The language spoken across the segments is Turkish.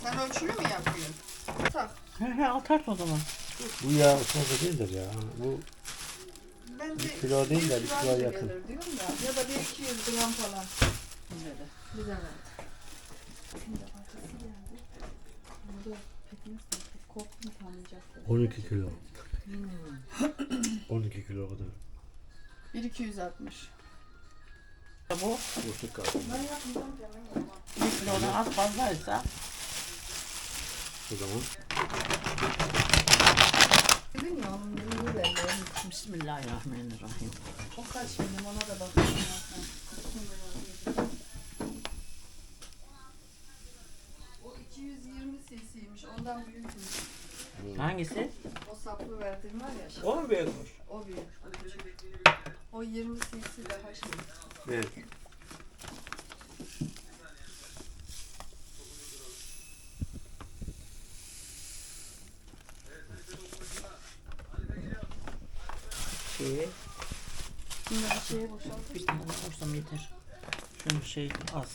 Sen ölçülü mü yapıyorsun? Tak. He atarsın o zaman. Bu yağ fazla değildir ya. Bu Bence bir kilo değil de bir kilo kiloya anca yakın. gelir diyorum da. Ya da 1-200 gram falan. Böyle. Bize verdi. Şimdi arkası geldi. Burada pekmez mi? Korktum tanıyacaktım. 12 kilo. 12 kilo kadar. 1-260. Bu Boşluk kaldı. Ben yapmayacağım canım. 1 kilodan az fazlaysa O zaman Dedin ya onun büyüğü belli. Bismillahirrahmanirrahim. O kaç şimdi ona da bakayım. O 220 cc'ymiş. Ondan büyükmüş. Hangisi? O saplı verdiğim var ya. O mu büyükmüş? O büyük. O küçük. O 20 cc daha şey. evet. Şey, Şimdi bir şeye boşaltır. bir tane koysam yeter. Şunun şey az.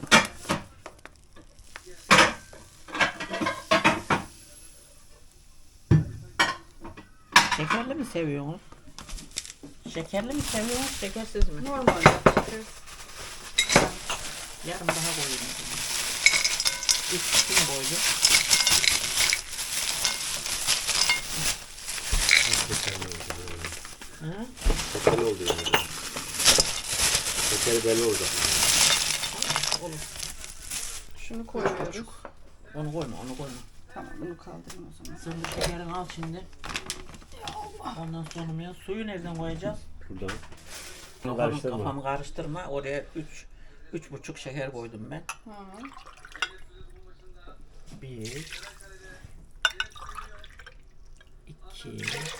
Şekerli mi seviyorsunuz? Şekerli mi seviyorsunuz, şekersiz mi? Normal yapacağız. Yarım daha koyayım o zaman. İkisini koydum. Şekerli oldu. Hı? Şekerli oldu yani. Şekeri belli oldu. Olur. Şunu koyuyoruz. Onu koyma, onu koyma. Tamam bunu kaldırın o zaman. Sen bu şekerini al şimdi. Ondan sonra ya suyu nereden koyacağız? Buradan. Kafamı karıştırma. Oraya 3,5 şeker koydum ben. Hı. 1 2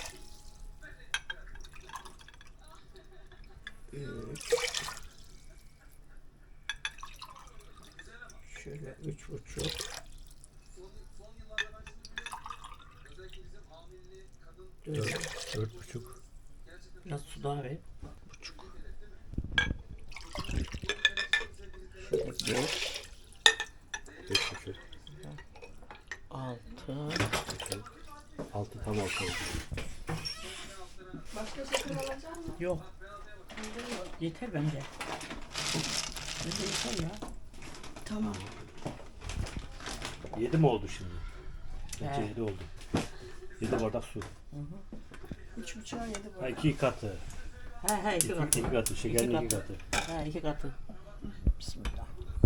3 şöyle 3,5 4,5. biraz su daha ver. Buçuk. Şöyle 5 5,5. 6 6 tam 6 oldu. Başka şeker alacak mısın? yok. Yeter bence. Bence yeter ya. Tamam. 7 mi oldu şimdi? Bence He. 7 oldu. 7 bardak su. 3,5'a 7 bu. Ha, 2 katı. He 2 katı. 2 katı. Şekerin 2 katı. He 2 katı. Bismillah.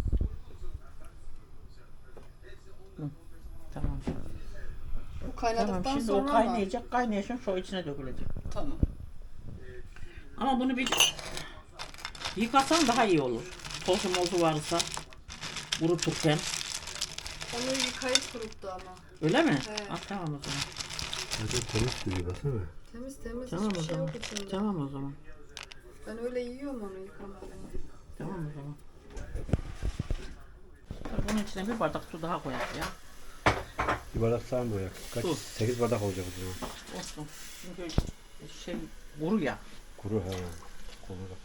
Hı, tamam. Bu kaynadıktan Tamam şimdi sonra o kaynayacak. Kaynayacak şu içine dökülecek. Tamam. Ama bunu bir yıkasan daha iyi olur. Tozu mozu varsa kuruturken. Onu yıkayıp kuruttu ama. Öyle mi? He. Ah, tamam o zaman. Hadi temiz duruyor baksana. Temiz temiz Tamam o hiçbir şey zaman. yok içinde. Tamam o zaman. Ben öyle yiyorum onu yıkamadan. Tamam o zaman. Bunun içine bir bardak su daha koyar ya. Bir bardak sağ mı boyak? Kaç? Su. 8 bardak olacak o zaman. Olsun. Çünkü şey kuru ya. Kuru ha. Kuru bak.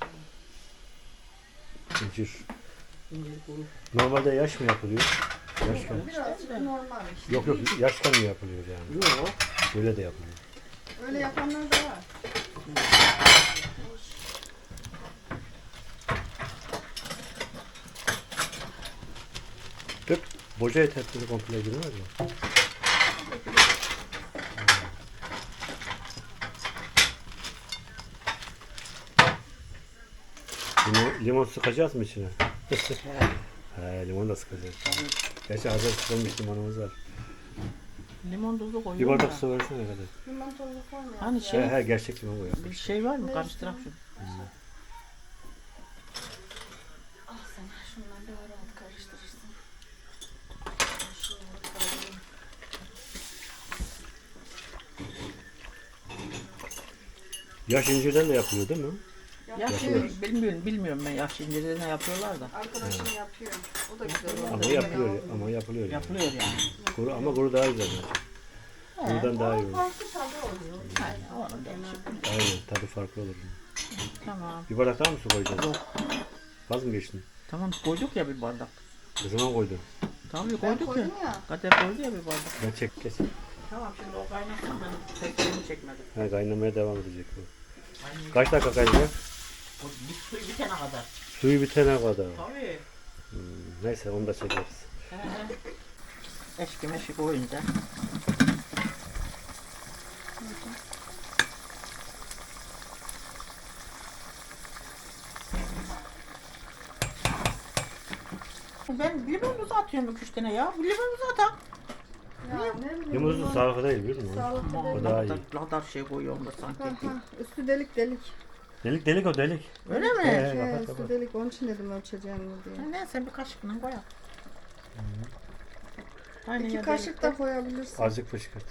İncir. İncir kuru. Normalde yaş mı yapılıyor? Yaşken. Birazcık normal işte. Yok yaşken mi yapılıyor yani? Yok. Böyle de yapılıyor. Öyle yapanlar da var. Dök. Boca et hepsini komple girmez mi? Limon sıkacağız mı içine? He, limon da sıkacağız. Gerçi hazır sıkılmış limonumuz var. Limon tuzu Bir koyuyorum bardak da. su versene kadar. Limon tozu koymuyor. Hani şey He gerçek limon koyuyor. bir şey var mı? Karıştırak şunu. Ah sen şunları daha rahat karıştırırsın. Şunları kaldırayım. Yaş incirden de yapılıyor değil mi? Yaş Yapıyoruz. bilmiyorum ben yaş incirde ne yapıyorlar da. Arkadaşım yapıyor. O da güzel oluyor. Ama yapılıyor, ama yapılıyor yani. Yapılıyor yani. Kuru, ama kuru daha güzel. Kurudan daha iyi olur. Farklı tadı oluyor. Aynen onun da bir şey. Aynen, tadı farklı olur. Tamam. Bir bardak daha mı su koyacağız? Yok. Vaz mı geçtin? Tamam koyduk ya bir bardak. Ne zaman koydun? Tabii Ben koyduk ya. koydum ya. Kader koydu ya bir bardak. Ben çek kes. Tamam şimdi o kaynasın ben tekrar çekmedim. Ha, kaynamaya devam edecek bu. Aynı Kaç dakika kaynayacak? o bir suyu bitene kadar. Suyu bitene kadar. Tabii. Neyse onu da çekeriz. Eşki meşki koyunca. Ben limonumuzu atıyorum 2-3 tane ya. Bu limonumuzu atak. Ya ne bileyim. Limonlu limon sağlıklı değil biliyor musun? Sağlıklı O değil. daha iyi. Ladar şey koyuyorum da sanki. Üstü delik delik. Delik delik o delik. Öyle mi? He, Şey, kapat, üstü kapat. delik. Onun için dedim ölçeceğim diye. Neyse bir kaşıkla koyalım. Aynı 2 yerde kaşık da koyabilirsin. Azıcık fışkırt.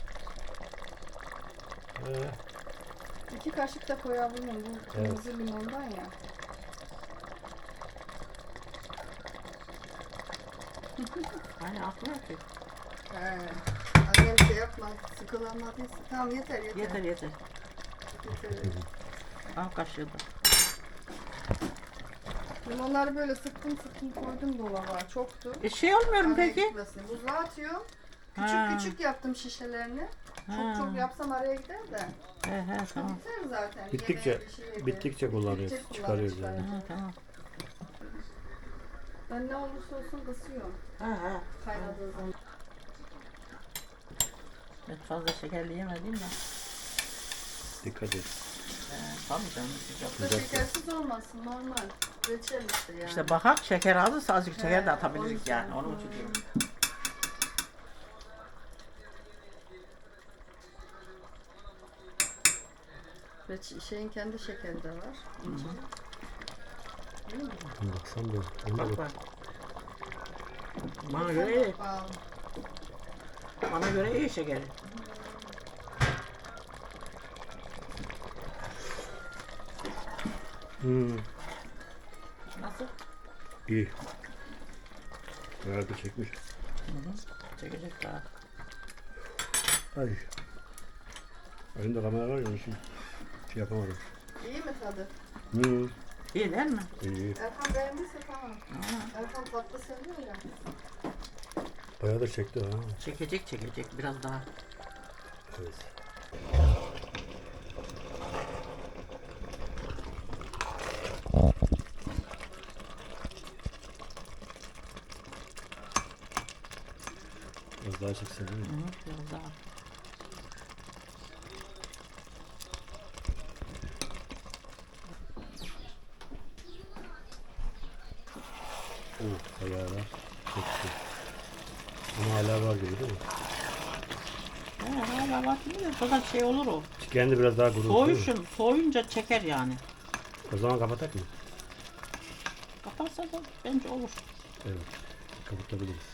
2 kaşık da koyabilirim. Bu kırmızı limondan ya. Aynı akmıyor ki. He. Annem şey yapma. Sıkılamadıysa. Tamam yeter yeter. Yeter yeter. Yeter. Al kaşığı da. Limonları böyle sıktım koydum dolaba. Çoktu. Şey olmuyor mu Araya peki? gitmesin. Buzluğa atıyorum. Küçük Ha. küçük yaptım şişelerini. Ha. Çok yapsam araya gider de. He tamam. Biter zaten. Bittikçe Yemeğe bir şey yedi. bittikçe kullanıyoruz. Bittikçe Çıkarıyoruz kullanıyoruz yani. zaten. Tamam. Ben ne olursa olsun kısıyorum. Ha. Kaynadığı zaman. Ben fazla şekerli yemedim de. Dikkat et. Tabii canım. Çok da şekersiz olmasın normal. Reçel işte yani. İşte bakak şeker azsa azıcık şeker de He, atabiliriz o yüzden. yani. Onun için diyorum. Şeyin kendi şekeri de var. Baksam da. Ona Bak bak. bak. Bana göre iyi. Aa, Bana göre iyi şekeri. Nasıl? İyi. Bayağı da çekmiş. Çekecek daha. Ay. Önümde kamera var ya onun için şey yapamadım. iyi mi tadı? İyi değil mi? İyi. Erkan beğendiyse tamam. Erkan tatlı seviyor ya. Bayağı da çekti ha. Çekecek biraz daha. Evet. Biraz daha çeksen değil mi? Biraz daha. Bayağı da çekti. Ama hala var gibi değil mi? Hala bak şimdi fakat şey olur o. Kendi biraz daha kuruldu değil mi? Soğuyunca çeker yani. O zaman kapatak mı? Kaparsa da bence olur. Evet. Kapatabiliriz.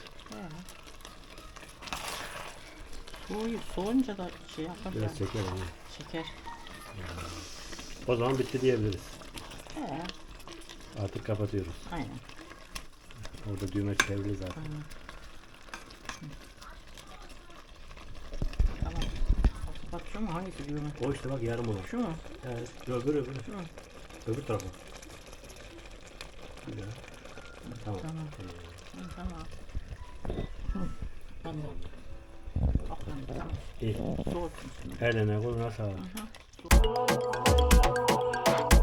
Soğuyunca da şey yapar Biraz yani. çeker ama. Çeker. O zaman bitti diyebiliriz. He, Artık kapatıyoruz. aynen. Orada düğme çevrili zaten. Tamam. Bak şu mu? Hangisi düğme? O işte bak yarım olan. Şu mu? Evet. Öbürü. Şu mu? Öbür tarafa. Güzel. Tamam. Tamam. Tamam. Tamam. Aferin, tamam. İyi. Soğutsun şimdi. Eline koluna sağlık. Hı.